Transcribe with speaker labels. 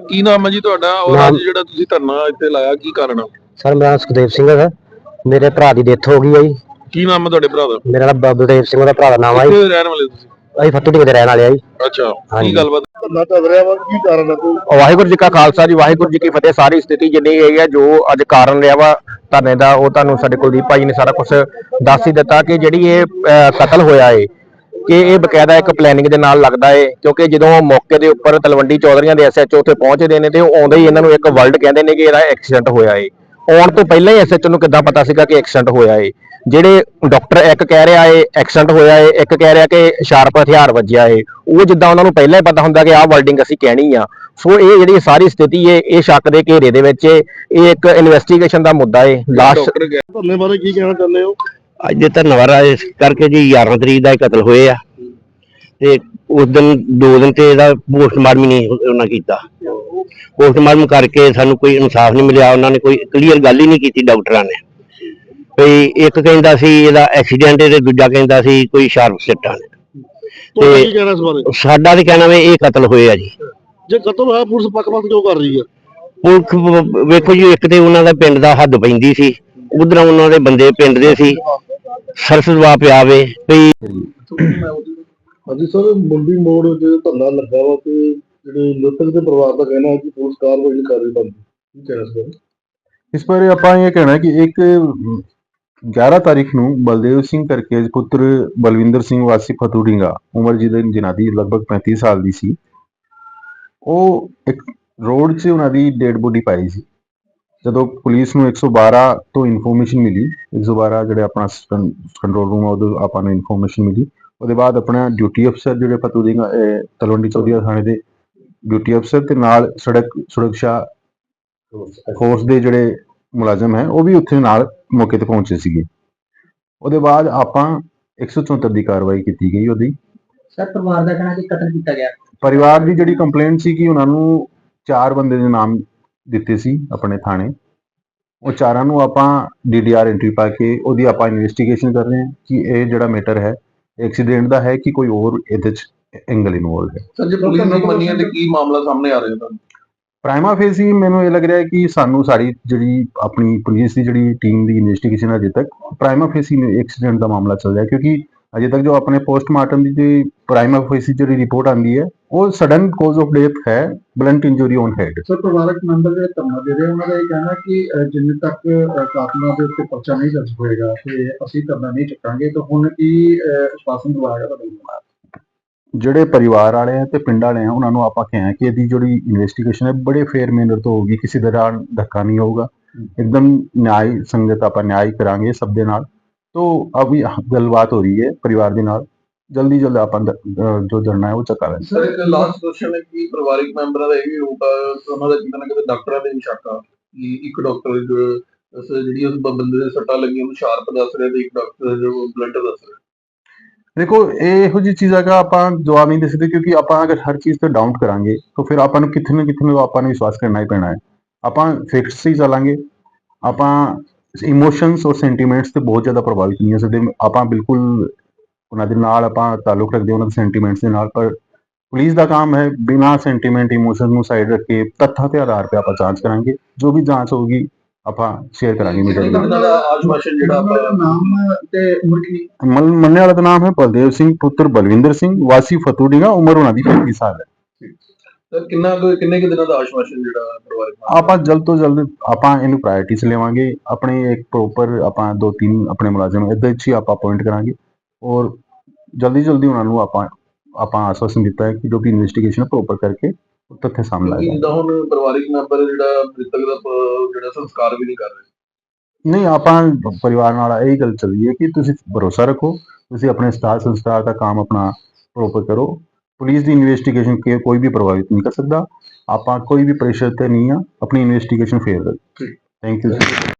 Speaker 1: ਕੀ ਨਾਮ ਹੈ ਜੀ ਤੁਹਾਡਾ ਔਰ ਅੱਜ ਜਿਹੜਾ ਤੁਸੀਂ ਧਰਨਾ ਇੱਥੇ ਲਾਇਆ ਕੀ ਕਾਰਨ ਆ?
Speaker 2: ਸਰ ਮੇਰਾ ਨਾਮ ਸੁਖਦੇਵ ਸਿੰਘ ਹੈ। ਮੇਰੇ ਭਰਾ ਦੀ ਡੈਥ ਹੋ ਗਈ ਹੈ ਜੀ।
Speaker 1: ਕੀ ਨਾਮ ਹੈ ਤੁਹਾਡੇ ਭਰਾ ਦਾ?
Speaker 2: ਮੇਰਾ ਨਾਮ ਬਲਦੇਵ ਸਿੰਘ ਦਾ ਭਰਾ ਦਾ ਨਾਮ ਹੈ ਜੀ।
Speaker 1: ਕਿੱਥੇ ਰਹਿਣ ਵਾਲੇ ਤੁਸੀਂ?
Speaker 2: ਅਸੀਂ ਫੱਤੂ ਢੀਂਗ ਦੇ ਰਹਿਣ ਵਾਲੇ ਆ ਜੀ।
Speaker 1: ਅੱਛਾ, ਕੀ ਗੱਲਬਾਤ? ਧਰਨਾ ਚੱਲ ਰਿਹਾ ਵਾ, ਕੀ ਕਾਰਨ ਹੈ ਕੋਈ?
Speaker 2: ਵਾਹਿਗੁਰੂ ਜੀ ਕਾ ਖਾਲਸਾ ਜੀ, ਵਾਹਿਗੁਰੂ ਜੀ ਕੀ ਫਤਿਹ। ਸਾਰੀ ਸਥਿਤੀ ਜਿੰਨੀ ਹੈਗੀ ਹੈ, ਜੋ ਅੱਜ ਕਾਰਨ ਰਿਹਾ ਵਾ ਧਰਨੇ ਦਾ, ਉਹ ਤੁਹਾਨੂੰ ਸਾਡੇ ਕੁਲਦੀਪ ਭਾਈ ਨੇ ਸਾਰਾ ਕੁਝ ਦੱਸ ਹੀ ਦਿੱਤਾ ਕਿ ਜਿਹੜੀ ਇਹ ਕਤਲ ਹੋਇਆ ਏ ਕਿ ਇਹ ਬਕਾਇਦਾ ਇੱਕ ਪਲੈਨਿੰਗ ਦੇ ਨਾਲ ਲੱਗਦਾ ਏ। ਕਿਉਂਕਿ ਜਦੋਂ ਮੌਕੇ ਦੇ ਉੱਪਰ ਤਲਵੰਡੀ ਚੌਧਰੀਆਂ ਦੇ ਐਸਐਚਓ ਉੱਥੇ ਪਹੁੰਚਦੇ ਨੇ ਤੇ ਉਹ ਆਉਂਦੇ ਹੀ ਇਹਨਾਂ ਨੂੰ ਇੱਕ ਵਰਲਡ ਕਹਿੰਦੇ ਨੇ ਕਿ ਇਹਦਾ ਐਕਸੀਡੈਂਟ ਹੋਇਆ ਏ। ਆਉਣ ਤੋਂ ਪਹਿਲਾਂ ਹੀ ਐਸਐਚਓ ਨੂੰ ਕਿੱਦਾਂ ਪਤਾ ਸੀਗਾ ਕਿ ਐਕਸੀਡੈਂਟ ਹੋਇਆ ਏ? ਜਿਹੜੇ ਡਾਕਟਰ ਇੱਕ ਕਹਿ ਰਿਹਾ ਏ ਐਕਸੀਡੈਂਟ ਹੋਇਆ ਏ, ਇੱਕ ਕਹਿ ਰਿਹਾ ਕਿ ਸ਼ਾਰਪ ਹਥਿਆਰ ਵੱਜਿਆ ਏ। ਉਹ ਜਿੱਦਾਂ ਉਹਨਾਂ ਨੂੰ ਪਹਿਲਾਂ ਹੀ ਪਤਾ ਹੁੰਦਾ ਕਿ ਆਹ ਵਰਡਿੰਗ ਅਸੀਂ ਕਹਿਣੀ ਆ। ਸੋ ਇਹ ਜਿਹੜੀ ਸਾਰੀ ਸਥਿਤੀ ਏ ਇਹ ਸ਼ੱਕ ਦੇ ਘੇਰੇ ਦੇ ਵਿੱਚ ਏ। ਇਹ ਇੱਕ ਇਨਵੈਸਟੀਗੇਸ਼ਨ ਦਾ ਮੁੱਦਾ ਏ। ਲਾਸਟ
Speaker 1: ਧਰਨੇ ਬਾਰੇ ਕੀ ਕਹਿਣਾ ਚਾਹੁੰਦੇ ਹੋ?
Speaker 2: ਅੱਜ ਦੇ ਧੰਨਵਾਦ ਇਸ ਕਰਕੇ ਜੀ 11 ਤਰੀਕ ਦਾ ਕਤਲ ਹੋਏ ਆ ਤੇ ਉਸ ਦਿਨ 2 ਦਿਨ ਤੇ ਇਹਦਾ ਪੋਸਟਮਾਰਟਮ ਨਹੀਂ ਉਹਨਾਂ ਕੀਤਾ। ਪੋਸਟਮਾਰਟਮ ਕਰਕੇ ਸਾਨੂੰ ਕੋਈ ਇਨਸਾਫ ਨਹੀਂ ਮਿਲਿਆ। ਉਹਨਾਂ ਨੇ ਕੋਈ ਕਲੀਅਰ ਗੱਲ ਹੀ ਨਹੀਂ ਕੀਤੀ ਡਾਕਟਰਾਂ ਨੇ। ਕੋਈ ਇੱਕ ਕਹਿੰਦਾ ਸੀ ਇਹਦਾ ਐਕਸੀਡੈਂਟ ਤੇ ਦੂਜਾ ਕਹਿੰਦਾ ਸੀ ਕੋਈ ਸ਼ਾਰਪ ਸੱਟਾਂ ਨੇ।
Speaker 1: ਤੇ
Speaker 2: ਸਾਡਾ ਤੇ ਕਹਿਣਾ ਵੇ ਇਹ ਕਤਲ ਹੋਏ ਆ ਜੀ।
Speaker 1: ਜੇ ਕਤਲ ਹੋਇਆ ਪੁਲਿਸ ਪੱਖ-ਪੱਖ ਕਿਉਂ ਕਰ ਰਹੀ ਹੈ?
Speaker 2: ਪੁਲਿਸ ਵੇਖੋ ਜੀ, ਇੱਕ ਤੇ ਉਹਨਾਂ ਦਾ ਪਿੰਡ ਦਾ ਹੱਦ ਪੈਂਦੀ ਸੀ, ਉਧਰੋਂ ਉਹਨਾਂ ਦੇ ਬੰਦੇ ਪਿੰਡ ਦੇ ਸੀ, ਸਰਸ ਦਵਾ ਪਿਆ ਵੇ ਵੀ।
Speaker 1: ਹਾਂਜੀ ਸਰ, ਮੁੰਡੀ ਮੋੜ ਜੇ ਧਰਨਾ ਲੱਗਾ ਵਾ ਤੇ ਜਿਹੜੇ ਮ੍ਰਿਤਕ ਦੇ ਪਰਿਵਾਰ ਦਾ ਕਹਿਣਾ ਹੈ ਕਿ ਪੁਲਿਸ ਕਾਰਵਾਈ ਨਹੀਂ ਕਰ ਰਹੀ ਬਣਦੀ, ਕੀ ਕਹਿਣਾ ਸਰ?
Speaker 3: ਇਸ ਬਾਰੇ ਆਪਾਂ ਇਹ ਕਹਿਣਾ ਕਿ ਇੱਕ 11 ਤਾਰੀਖ ਨੂੰ ਬਲਦੇਵ ਸਿੰਘ ਕਰਕੇ ਪੁੱਤਰ ਬਲਵਿੰਦਰ ਸਿੰਘ ਵਾਸੀ ਫਤੂ ਢੀਂਗਾ, ਉਮਰ ਜਿਨ੍ਹਾਂ ਦੀ ਲਗਭਗ 35 ਸਾਲ ਦੀ ਸੀ, ਉਹ ਇੱਕ ਰੋਡ 'ਚ ਉਹਨਾਂ ਦੀ ਡੈਡ ਬੋਡੀ ਪਾਈ ਸੀ। ਜਦੋਂ ਪੁਲਿਸ ਨੂੰ 112 ਤੋਂ ਇਨਫੋਰਮੇਸ਼ਨ ਮਿਲੀ, 112 ਜਿਹੜੇ ਆਪਣਾ ਕੰਟਰੋਲ ਰੂਮ ਆ ਉਦੋਂ ਆਪਾਂ ਨੂੰ ਇਨਫੋਰਮੇਸ਼ਨ ਮਿਲੀ। ਉਹਦੇ ਬਾਅਦ ਆਪਣਾ ਡਿਊਟੀ ਅਫਸਰ ਜਿਹੜੇ ਫਤੂ ਢੀਂਗਾ ਤਲਵੰਡੀ ਚੌਧਰੀ ਥਾਣੇ ਦੇ ਡਿਊਟੀ ਅਫਸਰ ਤੇ ਨਾਲ ਸੜਕ ਸੁਰੱਖਿਆ ਫੋਰਸ ਦੇ ਜਿਹੜੇ ਮੁਲਾਜ਼ਮ ਹੈ ਉਹ ਵੀ ਉੱਥੇ ਨਾਲ ਮੌਕੇ ਤੇ ਪਹੁੰਚੇ ਸੀਗੇ। ਉਹਦੇ ਬਾਅਦ ਆਪਾਂ 174 ਦੀ ਕਾਰਵਾਈ ਕੀਤੀ ਗਈ ਉਹਦੀ।
Speaker 2: ਸਰ ਪਰਿਵਾਰ ਦਾ ਕਹਿਣਾ ਕਿ ਕਤਲ ਕੀਤਾ ਗਿਆ।
Speaker 3: ਪਰਿਵਾਰ ਦੀ ਜਿਹੜੀ ਕੰਪਲੇਂਟ ਸੀ ਕਿ ਉਹਨਾਂ ਨੂੰ 4 ਬੰਦੇ ਦੇ ਨਾਮ ਦਿੱਤੇ ਸੀ ਆਪਣੇ ਥਾਣੇ। ਉਹ 4 ਨੂੰ ਆਪਾਂ DDR ਐਂਟਰੀ ਪਾ ਕੇ ਉਹਦੀ ਆਪਾਂ ਇਨਵੈਸਟੀਗੇਸ਼ਨ ਕਰ ਰਹੇ ਹਾਂ ਕਿ ਇਹ ਜਿਹੜਾ ਮੈਟਰ ਹੈ ਐਕਸੀਡੈਂਟ ਦਾ ਹੈ ਕਿ ਕੋਈ ਹੋਰ ਇਹਦੇ 'ਚ ਐਂਗਲ ਇਨਵੋਲਵ ਹੈ।
Speaker 1: ਸਰ ਜੇ ਪੁਲਿਸ ਨਹੀਂ ਮੰਨੀ ਤੇ ਕੀ ਮਾਮਲਾ ਸਾਹਮਣੇ ਆ ਰਿਹਾ ਹੈ?
Speaker 3: ਪ੍ਰਾਈਮਾ ਫੇਸੀ ਮੈਨੂੰ ਇਹ ਲੱਗ ਰਿਹਾ ਕਿ ਸਾਨੂੰ ਸਾਡੀ ਜਿਹੜੀ ਆਪਣੀ ਪੁਲਿਸ ਦੀ ਜਿਹੜੀ ਟੀਮ ਦੀ ਇਨਵੈਸਟੀਗੇਸ਼ਨ ਅਜੇ ਤੱਕ ਪ੍ਰਾਈਮਾ ਫੇਸੀ ਐਕਸੀਡੈਂਟ ਦਾ ਮਾਮਲਾ ਚੱਲ ਰਿਹਾ, ਕਿਉਂਕਿ ਅਜੇ ਤੱਕ ਜੋ ਆਪਣੇ ਪੋਸਟਮਾਰਟਮ ਦੀ ਜਿਹੜੀ ਪ੍ਰਾਈਮਾ ਫੇਸੀ ਜਿਹੜੀ ਰਿਪੋਰਟ ਆਂਦੀ ਹੈ ਉਹ ਸਡਨ ਕਾਜ਼ ਆਫ ਡੈਥ ਹੈ, blunt injury on head.
Speaker 1: Sir ਪਰਿਵਾਰਕ ਮੈਂਬਰ ਜਿਹੜੇ ਧਰਨਾ ਦੇ ਰਹੇ ਉਹਨਾਂ ਦਾ ਇਹ ਕਹਿਣਾ ਕਿ ਜਿੰਨੇ ਤੱਕ ਕਾਤਲਾਂ ਦੇ ਉੱਤੇ ਪਰਚਾ ਨਹੀਂ ਦਰਜ ਹੋਏਗਾ ਤੇ ਅਸੀਂ ਧਰਨਾ ਨਹੀਂ ਚੁੱਕਾਂਗੇ। ਤਾਂ ਹੁਣ ਕੀ ਆਸ਼ਵਾਸਨ ਦਵਾਇਆ ਤੁਹਾਡਾ?
Speaker 3: ਜਿਹੜੇ ਪਰਿਵਾਰ ਵਾਲੇ ਆ ਤੇ ਪਿੰਡ ਵਾਲੇ ਆ ਉਹਨਾਂ ਨੂੰ ਆਪਾਂ ਕਿਹਾ ਕਿ ਇਹਦੀ ਜਿਹੜੀ ਇਨਵੈਸਟੀਗੇਸ਼ਨ ਹੈ ਬੜੇ ਫੇਅਰ ਮੈਨਰ ਤੋਂ ਹੋਊਗੀ, ਕਿਸੇ ਤਰ੍ਹਾਂ ਧੱਕਾ ਨਹੀਂ ਹੋਊਗਾ, एकदम न्याय संगत आप न्याय करांगे सब दे नाल। तो अभी गलबात हो रही है परिवार के नाल, जल्दी जल्द आप जो धरना है वो चका लें।
Speaker 1: सर एक लास्ट क्वेश्चन है कि परिवारिक मैंबरां दा ਇਹ ਹੋਊਗਾ ਉਹਨਾਂ ਦਾ ਕਿਤੇ ਨਾ ਕਿਤੇ ਡਾਕਟਰਾਂ ਦੇ ਵੀ ਸ਼ੱਕ ਆ ਕਿ ਇੱਕ ਡਾਕਟਰ ਜਿਹੜੀ ਉਸ ਬੰਦੇ ਦੇ ਸੱਟਾਂ ਲੱਗੀਆਂ ਉਹਨੂੰ ਸ਼ਾਰਪ ਦੱਸ ਰਿਹਾ ਤੇ ਇੱਕ ਡਾਕਟਰ ਜੋ ਬਲੰਟ ਦੱਸ ਰਿਹਾ।
Speaker 3: देखो ਇਹੋ ਜਿਹੀ ਚੀਜ਼ਾਂ ਦਾ ਆਪਾਂ ਜਵਾਬ ਨਹੀਂ ਦੇ ਸਕਦੇ, ਕਿਉਂਕਿ ਆਪਾਂ ਅਗਰ ਹਰ ਚੀਜ਼ ਤੇ ਡਾਊਟ ਕਰਾਂਗੇ ਤਾਂ ਫਿਰ ਆਪਾਂ ਨੂੰ ਕਿਤੇ ਨਾ ਆਪਾਂ ਨੂੰ ਵਿਸ਼ਵਾਸ ਕਰਨਾ ਹੀ ਪੈਣਾ ਹੈ। ਆਪਾਂ ਫੈਕਟਸ ਹੀ ਚੱਲਾਂਗੇ, ਆਪਾਂ ਇਮੋਸ਼ਨਸ ਔਰ ਸੈਂਟੀਮੈਂਟਸ ਤੇ ਬਹੁਤ ਜ਼ਿਆਦਾ ਪ੍ਰਭਾਵਿਤ ਨਹੀਂ ਹੋ ਸਕਦੇ। ਆਪਾਂ ਬਿਲਕੁਲ ਉਹਨਾਂ ਦੇ ਨਾਲ ਆਪਾਂ ਤਾਲੁਕ ਰੱਖਦੇ ਉਹਨਾਂ ਦੇ ਸੈਂਟੀਮੈਂਟਸ ਦੇ ਨਾਲ, ਪਰ ਪੁਲਿਸ ਦਾ ਕੰਮ ਹੈ ਬਿਨਾਂ ਸੈਂਟੀਮੈਂਟ ਇਮੋਸ਼ਨ ਨੂੰ ਸਾਈਡ ਰੱਖ ਕੇ ਤੱਥਾਂ ਦੇ ਆਧਾਰ 'ਤੇ ਆਪਾਂ ਜਾਂਚ ਕਰਾਂਗੇ। ਜੋ ਵੀ ਜਾਂਚ ਹੋਊਗੀ ਆਪਾਂ ਸ਼ੇਅਰ ਕਰਾਂਗੇ ਮੀਡੀਆ ਦੇ ਨਾਲ। ਮੰਨਣੇ ਵਾਲਾ ਦਾ ਨਾਮ ਹੈ ਬਲਦੇਵ ਸਿੰਘ ਪੁੱਤਰ ਬਲਵਿੰਦਰ ਸਿੰਘ ਵਾਸੀ ਫਤੂ ਢੀਂਗਾ, ਉਮਰ ਉਹਨਾਂ ਦੀ 35 ਸਾਲ ਹੈ।
Speaker 1: ਸਰ ਕਿੰਨੇ ਦਿਨਾਂ ਦਾ ਆਸ਼ਵਾਸਨ ਜਿਹੜਾ ਪਰਿਵਾਰ
Speaker 3: ਆਪਾਂ ਜਲਦ ਤੋਂ ਜਲਦ ਆਪਾਂ ਇਹਨੂੰ ਪ੍ਰਾਇੋਰਟੀ 'ਚ ਲਵਾਂਗੇ। ਆਪਣੇ ਇੱਕ ਪ੍ਰੋਪਰ ਆਪਾਂ 2-3 ਆਪਣੇ ਮੁਲਾਜ਼ਮ ਇਹਦੇ 'ਚ ਹੀ ਆਪਾਂ ਅਪਾਇੰਟ ਕਰਾਂਗੇ ਔਰ ਜਲਦੀ ਉਹਨਾਂ ਨੂੰ ਆਪਾਂ ਆਸ਼ਵਾਸਨ ਦਿੱਤਾ ਹੈ ਕਿ ਜੋ ਵੀ ਇਨਵੈਸਟੀਗੇਸ਼ਨ ਪ੍ਰੋਪਰ ਕਰਕੇ ਤੱਥ ਸਾਹਮਣੇ ਆਏਗਾ।
Speaker 1: ਜਿੱਦਾਂ ਹੁਣ ਪਰਿਵਾਰਿਕ ਮੈਂਬਰ ਜਿਹੜਾ ਮ੍ਰਿਤਕ ਦਾ ਜਿਹੜਾ ਸੰਸਕਾਰ ਵੀ ਨਹੀਂ ਕਰ ਰਹੇ।
Speaker 3: ਨਹੀਂ, ਆਪਾਂ ਪਰਿਵਾਰ ਨਾਲ ਇਹੀ ਗੱਲ ਚੱਲੀ ਹੈ ਕਿ ਤੁਸੀਂ ਭਰੋਸਾ ਰੱਖੋ, ਤੁਸੀਂ ਆਪਣੇ ਸੰਸਕਾਰ ਦਾ ਕੰਮ ਆਪਣਾ ਪ੍ਰੋਪਰ ਕਰੋ। ਪੁਲਿਸ ਦੀ ਇਨਵੈਸਟੀਗੇਸ਼ਨ ਕੋਈ ਵੀ ਪ੍ਰਭਾਵਿਤ ਨਹੀਂ ਕਰ ਸਕਦਾ। ਆਪਾਂ ਕੋਈ ਵੀ ਪ੍ਰੈਸ਼ਰ ਤੇ ਨਹੀਂ ਆ, ਆਪਣੀ ਇਨਵੈਸਟੀਗੇਸ਼ਨ ਫੇਰ ਕਰੋ। Thank you.